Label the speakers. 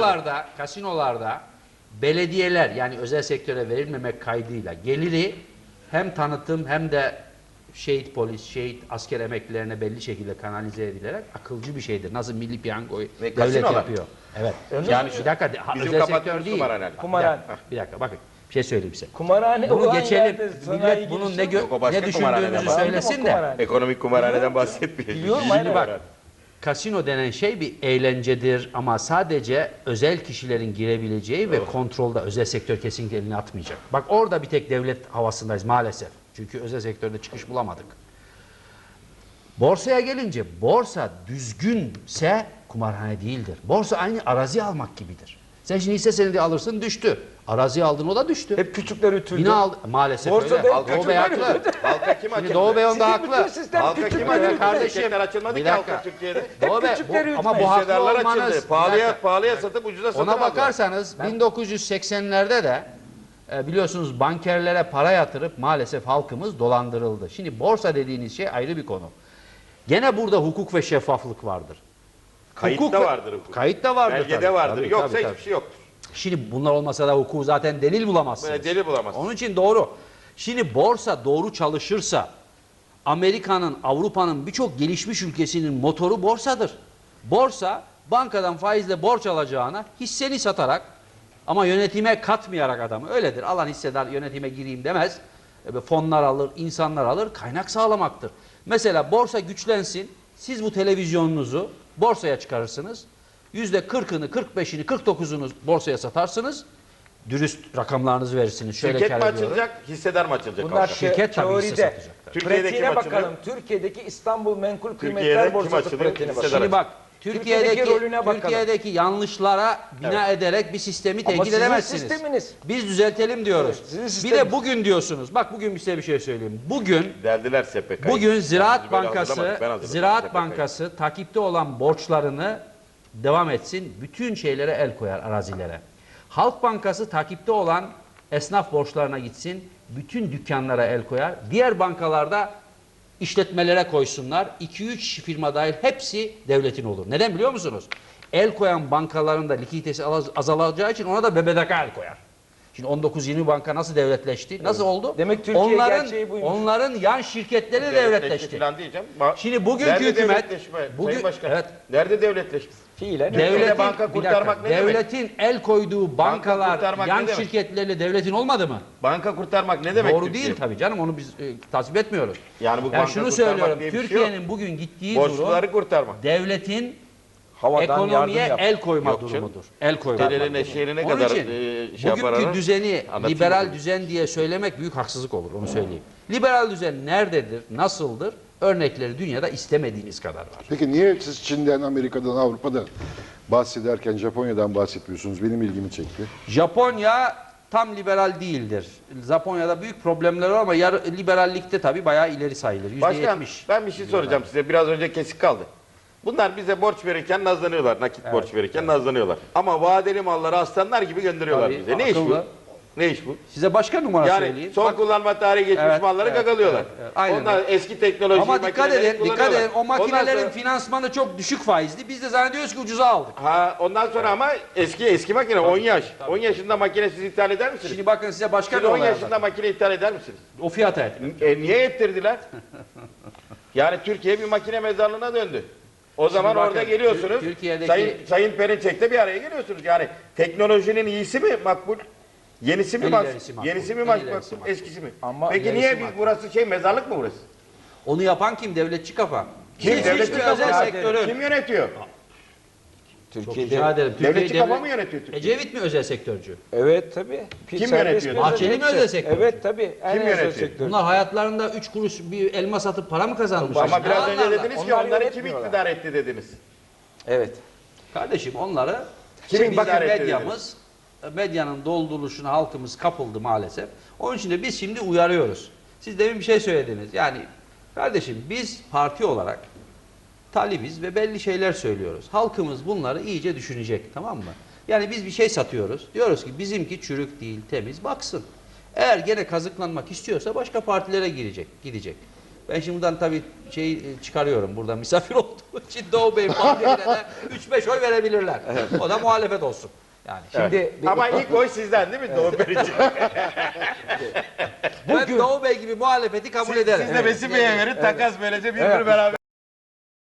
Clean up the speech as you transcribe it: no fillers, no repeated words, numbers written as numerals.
Speaker 1: kasinolarda belediyeler yani özel sektöre verilmemek kaydıyla geliri hem tanıtım hem de şehit polis, şehit asker emeklilerine belli şekilde kanalize edilerek akılcı bir şeydir. Nasıl milli piyangoyu devlet yapıyor. Evet.
Speaker 2: Yani
Speaker 1: bir dakika özel sektör değil.
Speaker 2: Kumarhane.
Speaker 1: Bir dakika bakın. Bir şey söyleyeyim size.
Speaker 2: Kumarhane
Speaker 1: bunu geçelim. Millet bunun ne düşündüğümüzü söylesin de.
Speaker 3: Ekonomik kumarhaneden bahsetmiyor.
Speaker 2: Biliyorum
Speaker 1: Şimdi bak. Kasino denen şey bir eğlencedir ama sadece özel kişilerin girebileceği ve kontrolde özel sektör kesinlikle elini atmayacak. Bak orada bir tek devlet havasındayız maalesef. Çünkü özel sektörde çıkış bulamadık. Borsaya gelince borsa düzgünse kumarhane değildir. Borsa aynı arazi almak gibidir. Sen şimdi hisse senedi alırsın düştü. Arazi aldın o da düştü.
Speaker 2: Hep küçükler ütüldü.
Speaker 1: Yine aldı. Maalesef
Speaker 2: Borsada
Speaker 1: öyle.
Speaker 2: hep
Speaker 1: Doğu Bey haklı.
Speaker 3: Halka kim açıldı?
Speaker 1: Doğu Bey onda haklı.
Speaker 3: Halka kim açıldı?
Speaker 1: Kardeşim.
Speaker 3: Şirketler açılmadı ki halka Türkiye'de.
Speaker 1: Doğu Bey,
Speaker 2: küçükleri
Speaker 1: ama bu haklı
Speaker 3: Hissedarlar
Speaker 1: olmanız.
Speaker 3: açıldı. Pahalıya satıp ucuza satın
Speaker 1: Ona
Speaker 3: aldılar.
Speaker 1: bakarsanız 1980'lerde de biliyorsunuz bankerlere para yatırıp maalesef halkımız dolandırıldı. Şimdi borsa dediğiniz şey ayrı bir konu. Gene burada hukuk ve şeffaflık vardır.
Speaker 3: Kayıtta vardır hukuk.
Speaker 1: Kayıtta vardır.
Speaker 3: Belgede
Speaker 1: tabii.
Speaker 3: vardır.
Speaker 1: Tabii,
Speaker 3: Yoksa
Speaker 1: tabii.
Speaker 3: hiçbir şey yoktur.
Speaker 1: Şimdi bunlar olmasa da hukuku zaten delil bulamazsınız.
Speaker 3: Böyle delil bulamazsınız.
Speaker 1: Onun için doğru. Şimdi borsa doğru çalışırsa Amerika'nın, Avrupa'nın birçok gelişmiş ülkesinin motoru borsadır. Borsa bankadan faizle borç alacağına hisseni satarak ama yönetime katmayarak adamı öyledir. Alan hissedar yönetime gireyim demez. Fonlar alır, insanlar alır, kaynak sağlamaktır. Mesela borsa güçlensin. Siz bu televizyonunuzu borsaya çıkarırsınız. %40'ını, 45'ini, 49'unu borsaya satarsınız. Dürüst rakamlarınızı verirsiniz. Şöyle
Speaker 3: Şirket mi
Speaker 1: kar ediyorum.
Speaker 3: açılacak, hissedar mı açılacak?
Speaker 2: Bunlar
Speaker 1: Şirket tabii hisse
Speaker 2: teoride.
Speaker 1: satacak.
Speaker 3: Türkiye'de
Speaker 2: Pratiğine
Speaker 3: kim
Speaker 2: bakalım.
Speaker 3: açılıyor?
Speaker 2: Türkiye'deki İstanbul Menkul
Speaker 3: Türkiye'de
Speaker 2: Kıymetler
Speaker 3: kim
Speaker 2: Borsası
Speaker 3: açılıyor?
Speaker 2: pratiğine bakalım.
Speaker 3: Hissedar
Speaker 1: Şimdi bak
Speaker 2: Türkiye'deki rolüne bakalım.
Speaker 1: Türkiye'deki yanlışlara bina ederek bir sistemi
Speaker 2: Ama
Speaker 1: tehdit
Speaker 2: sizin
Speaker 1: edemezsiniz.
Speaker 2: sisteminiz.
Speaker 1: Biz düzeltelim diyoruz.
Speaker 2: Evet, sizin
Speaker 1: bir
Speaker 2: sisteminiz.
Speaker 1: de bugün diyorsunuz. Bak bugün size bir şey söyleyeyim. Bugün
Speaker 3: Derdiler SPK'yı.
Speaker 1: Bugün Ziraat
Speaker 3: Biz böyle
Speaker 1: Bankası
Speaker 3: hazırlamadık, ben hazırladım
Speaker 1: Ziraat
Speaker 3: SPK'yı.
Speaker 1: Bankası takipte olan borçlarını devam etsin. Bütün şeylere el koyar arazilere. Halk Bankası takipte olan esnaf borçlarına gitsin. Bütün dükkanlara el koyar. Diğer bankalarda işletmelere koysunlar. 2-3 firma dahil hepsi devletin olur. Neden biliyor musunuz? El koyan bankaların da likiditesi azalacağı için ona da BBDK el koyar. Şimdi 19-20 banka nasıl devletleşti? Nasıl oldu?
Speaker 2: Demek Türkiye gerçeği buymuş.
Speaker 1: Onların yan şirketleri devletleşti.
Speaker 3: Falan diyeceğim.
Speaker 1: Şimdi bugünkü
Speaker 3: Nerede
Speaker 1: hükümet
Speaker 3: devletleşme? Sayın Başkan.
Speaker 1: evet,
Speaker 3: Nerede devletleşme?
Speaker 2: Fiilen.
Speaker 1: devletin,
Speaker 3: banka kurtarmak ne demek?
Speaker 1: devletin el koyduğu bankalar
Speaker 3: kurtarmak
Speaker 1: yan
Speaker 3: ne demek?
Speaker 1: şirketleriyle devletin olmadı mı?
Speaker 3: Banka kurtarmak ne demek?
Speaker 1: Doğru
Speaker 3: Türkiye?
Speaker 1: değil tabii canım, onu biz tasvip etmiyoruz.
Speaker 3: Yani bu
Speaker 1: Yani
Speaker 3: banka
Speaker 1: şunu
Speaker 3: kurtarmak
Speaker 1: söylüyorum,
Speaker 3: diye bir şey
Speaker 1: Türkiye'nin
Speaker 3: yok.
Speaker 1: bugün gittiği
Speaker 3: Borçluları
Speaker 1: durum
Speaker 3: kurtarmak.
Speaker 1: devletin
Speaker 2: Havadan
Speaker 1: ekonomiye
Speaker 2: yardım yap.
Speaker 1: el koyma
Speaker 3: Yok canım.
Speaker 1: durumudur. El koyma.
Speaker 3: Dedenin eşeğine
Speaker 1: Onun
Speaker 3: kadar
Speaker 1: için
Speaker 3: şey yapar
Speaker 1: bugünkü
Speaker 3: ara.
Speaker 1: düzeni
Speaker 3: Anlatayım
Speaker 1: liberal
Speaker 3: mı?
Speaker 1: düzen diye söylemek büyük haksızlık olur, onu söyleyeyim. Liberal düzen nerededir, nasıldır? Örnekleri dünyada istemediğiniz kadar var.
Speaker 4: Peki niye siz Çin'den, Amerika'dan, Avrupa'dan bahsederken Japonya'dan bahsetmiyorsunuz? Benim ilgimi çekti.
Speaker 1: Japonya tam liberal değildir. Japonya'da büyük problemler var ama liberallikte tabii bayağı ileri sayılır. %70.
Speaker 3: Başkan ben bir şey soracağım size. Biraz önce kesik kaldı. Bunlar bize borç verirken nazlanıyorlar. Nakit borç verirken nazlanıyorlar. Ama vadeli malları aslanlar gibi gönderiyorlar
Speaker 1: Tabii,
Speaker 3: bize. Ne iş bu?
Speaker 1: akıllı.
Speaker 3: Ne iş bu?
Speaker 1: Size başka numara
Speaker 3: Yani
Speaker 1: söyleyeyim.
Speaker 3: son
Speaker 1: Bak,
Speaker 3: kullanma tarihi geçmiş
Speaker 1: Evet,
Speaker 3: malları
Speaker 1: evet,
Speaker 3: gagalıyorlar.
Speaker 1: evet, aynen
Speaker 3: Onlar
Speaker 1: öyle.
Speaker 3: eski teknoloji
Speaker 1: ama dikkat
Speaker 3: makineleri
Speaker 1: edin,
Speaker 3: kullanıyorlar.
Speaker 1: o
Speaker 3: Ondan
Speaker 1: makinelerin
Speaker 3: sonra-
Speaker 1: finansmanı çok düşük faizli. Biz de zannediyoruz ki ucuza aldık.
Speaker 3: Ondan sonra ama eski makine 10 yaş. 10 yaşında makine siz ithal eder misiniz?
Speaker 1: Şimdi bakın size başka
Speaker 3: Siz
Speaker 1: bir
Speaker 3: 10
Speaker 1: olay
Speaker 3: yaşında
Speaker 1: anlatayım.
Speaker 3: makine ithal eder misiniz?
Speaker 1: O fiyata ettim.
Speaker 3: Niye ettirdiler? Yani Türkiye bir makine mezarlığına döndü. O zaman
Speaker 1: bakın,
Speaker 3: orada geliyorsunuz.
Speaker 1: Türkiye'deki-
Speaker 3: Sayın Perinçek'te bir araya geliyorsunuz. Yani teknolojinin iyisi mi makbul? Yenisi mi
Speaker 1: En
Speaker 3: makbul?
Speaker 1: ilerisi makbul.
Speaker 3: Yenisi mi
Speaker 1: En
Speaker 3: makbul?
Speaker 1: ilerisi makbul.
Speaker 3: Eskisi mi?
Speaker 2: Ama
Speaker 3: Peki
Speaker 2: ilerisi
Speaker 3: niye biz
Speaker 2: makbul.
Speaker 3: burası mezarlık mı burası?
Speaker 1: Onu yapan kim? Devletçi kafa.
Speaker 3: Kim?
Speaker 1: Siz
Speaker 3: Devletçi
Speaker 1: hiçbir
Speaker 3: kafa.
Speaker 1: özel sektörü.
Speaker 3: Kim yönetiyor?
Speaker 1: Çok
Speaker 2: Türkiye'de.
Speaker 1: rica ederim.
Speaker 3: Devletçi kafa mı yönetiyor Türkiye?
Speaker 1: Ecevit mi özel sektörcü?
Speaker 2: Evet tabii.
Speaker 3: Kim
Speaker 2: Serbest
Speaker 3: yönetiyor?
Speaker 2: piyasa
Speaker 1: Bahçeli mi
Speaker 2: hepsi.
Speaker 1: özel sektör?
Speaker 2: Evet tabii. En özel
Speaker 3: yönetiyor?
Speaker 2: sektör.
Speaker 1: Bunlar hayatlarında 3 kuruş bir elma satıp para mı kazanmışlar?
Speaker 3: Ama biraz önce
Speaker 1: Yalanlarla.
Speaker 3: dediniz ki
Speaker 2: Onlar
Speaker 3: onları kim
Speaker 2: yönetmiyorlar.
Speaker 3: iktidar etti dediniz.
Speaker 2: Evet.
Speaker 1: Kardeşim onları
Speaker 3: Kim
Speaker 1: bizim
Speaker 3: iktidar etti
Speaker 1: medyamız, medyanın dolduruluşuna halkımız kapıldı maalesef. Onun için de biz şimdi uyarıyoruz. Siz demin bir şey söylediniz. Yani kardeşim biz parti olarak talibiz ve belli şeyler söylüyoruz. Halkımız bunları iyice düşünecek, tamam mı? Yani biz bir şey satıyoruz. Diyoruz ki bizimki çürük değil, temiz, baksın. Eğer gene kazıklanmak istiyorsa başka partilere gidecek. Ben şimdi buradan tabii çıkarıyorum. Burada misafir olduğu için Doğu Bey Bahçeli'ne de 3-5 oy verebilirler. O da muhalefet olsun. Yani
Speaker 2: Şimdi
Speaker 3: Ama ilk oy sizden değil mi Doğu Bey için?
Speaker 1: ben Doğu Bey gibi muhalefeti kabul ederim.
Speaker 3: Siz de Vesi Bey'e verin takas böylece birbiri beraber.